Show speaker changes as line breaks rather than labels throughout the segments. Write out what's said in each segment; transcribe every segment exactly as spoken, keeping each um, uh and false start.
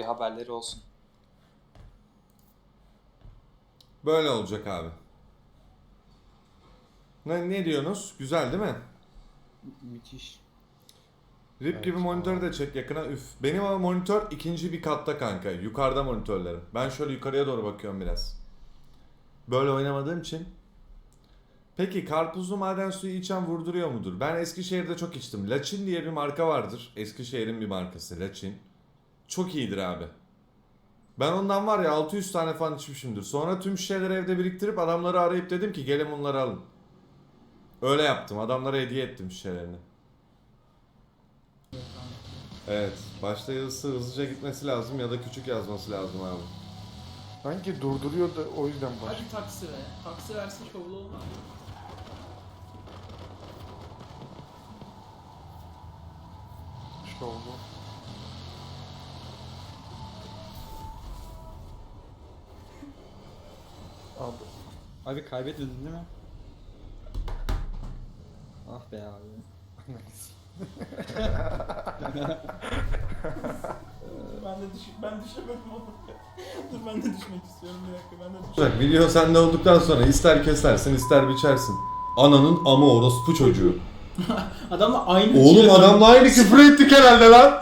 haberleri olsun.
Böyle olacak abi. Ne, ne diyorsunuz? Güzel değil mi?
Müthiş.
Rip
Evet,
gibi monitörü
tamam.
de çek yakına. Üf. Benim ama monitör ikinci bir katta kanka. Yukarıda monitörlerim. Ben şöyle yukarıya doğru bakıyorum biraz. Böyle oynamadığım için. Peki karpuzlu maden suyu içen vurduruyor mudur? Ben Eskişehir'de çok içtim. Laçin diye bir marka vardır. Eskişehir'in bir markası Laçin. Çok iyidir abi. Ben ondan var ya altı yüz tane falan içmişimdir. Sonra tüm şişeleri evde biriktirip adamları arayıp dedim ki gelin bunları alın. Öyle yaptım. Adamlara hediye ettim şişelerini. Evet. Başta yazısı hızlıca gitmesi lazım ya da küçük yazması lazım abi.
Sanki durduruyor da o yüzden baş.
Hadi taksi ver. Taksi versin şovlu olmaz.
İşte oldu. Abi.
Abi kaybetmedin değil mi? Ah be abi.
Ben de düş ben düşemedim onu. Dur ben de düşmek istiyorum bir dakika ben de düşeyim.
Bak video sende olduktan sonra ister kesersin ister biçersin. Ananın ama orospu çocuğu.
Adamla aynı
Oğlum
çile-
adamla aynı küfür ettik herhalde lan.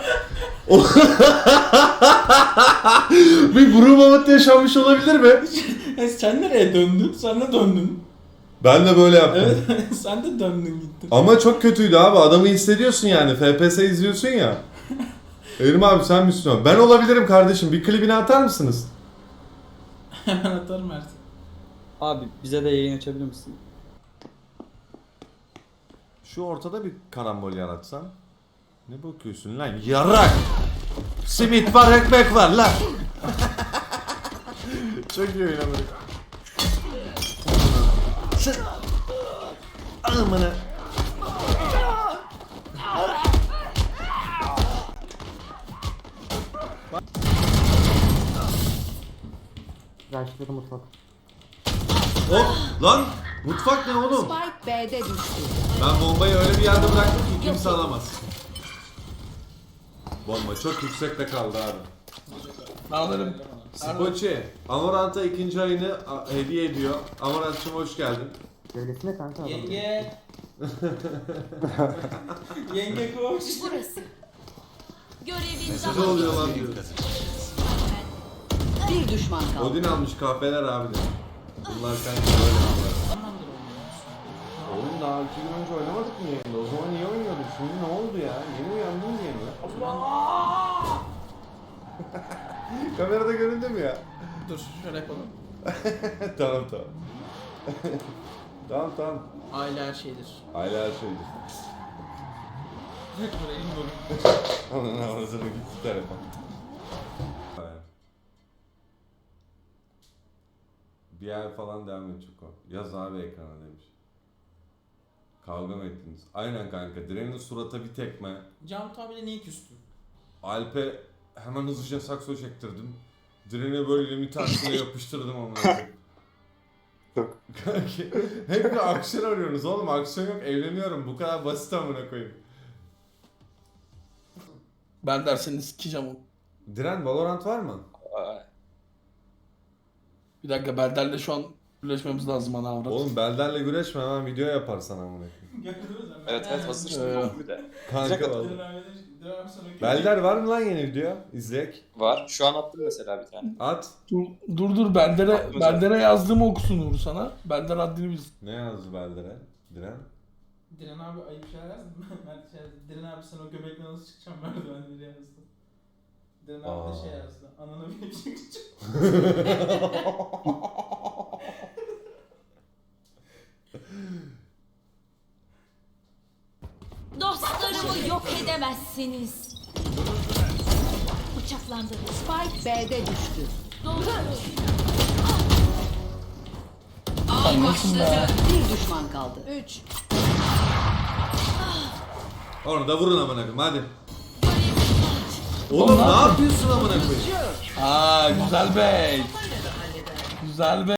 Bir burun mamat yaşanmış olabilir mi?
E, sen nereye döndün? Sen de döndün.
Ben de böyle yaptım.
Evet sen de döndün gittin.
Ama çok kötüydü abi. Adamı hissediyorsun yani. F P S izliyorsun ya. Erim abi sen Müslüman. Ben olabilirim kardeşim. Bir klibini atar mısınız?
Hemen atarım Mert.
Abi bize de yayın açabilir misin?
Şu ortada bir karambol yaratsan. Ne bakıyorsun lan? Yarak! Simit var, ekmek var lan! Çok iyi oynamadık. Amına.
Raşit'te mutfak.
Hop! Lan! Mutfak ne oğlum?
Spike B'de düştü.
Ben bombayı öyle bir yerde bıraktım ki kimse alamaz. Bomba çok yüksekte kaldı abi.
Alırım.
Spoçi, Amorant'a ikinci ayını a- hediye ediyor. Amorant'cığım hoş geldin.
Devletine kanka adam.
Yenge. Yenge koş.
Burası. Görevin
Ne
daha
oluyor lan diyor.
bir düşman kaldı.
Odin almış kahpeler abi de. Bunlar kanka böyle bunlar.
Tamamdır oğlum.
Oğlum daha iki gün önce oynamadık mı yayında? O zaman niye oynuyorduk? Şimdi ne oldu ya? Yeni uyandın diye mi? Kamerada göründü mü ya?
Dur şöyle yapalım.
Tamam tamam. Tamam tamam.
Aile her şeydir.
Aile her şeydir.
Buraya in dur.
Onun havasına gitti telefon. Bir ay falan devam edecek o. Yaz abi ekrana demiş. Kavga mı ettiniz? Aynen kanka. Direnin surata bir tekme.
Cantu abiyle niye küstün?
Alp'e hemen hızlıca sakso çektirdim. Direne böyle elimi tersine yapıştırdım amına koyayım.
Yok.
Kanki hep bir aksiyon arıyorsunuz oğlum. Aksiyon yok. Evleniyorum. Bu kadar basit amına koyayım.
Ben derseni sikeceğim onu.
Diren Valorant var mı?
Aa,
Bir dakika Berder'le şu an birleşmemiz lazım ana avrat.
Oğlum Belder'le güreşme hemen video yaparsan amına koyayım.
evet evet hazır şimdi
Ee,
oldu bir de.
Kanka vallahi. Belder var mı lan yeni video? İzleyek.
Var. Şu an attım mesela bir tane.
At.
Dur dur, dur Berder'e
Aklımıza-
Berder'e yazdığımı okusun Uğur sana. Berder haddini bilsin.
Ne yazdı Belder'e? Diren.
Diren abi ayıp şeyler yazdı. Mert şey yazdı. Diren abi sen o göbekle nasıl çıkacaksın merdivenleri yazdı. Diren abi de şey
Aa.
yazdı. Ananı bir çıkacak.
Dostlarımı yok edemezsiniz. Bıçaklandı. Spike B'de düştü. Dolduruyoruz. Av başladı. Bir düşman kaldı. Üç.
Onu da vurun amına koyayım hadi. Oğlum ne yapıyorsun amına koyayım?
Aa güzel bey. Güzel bey.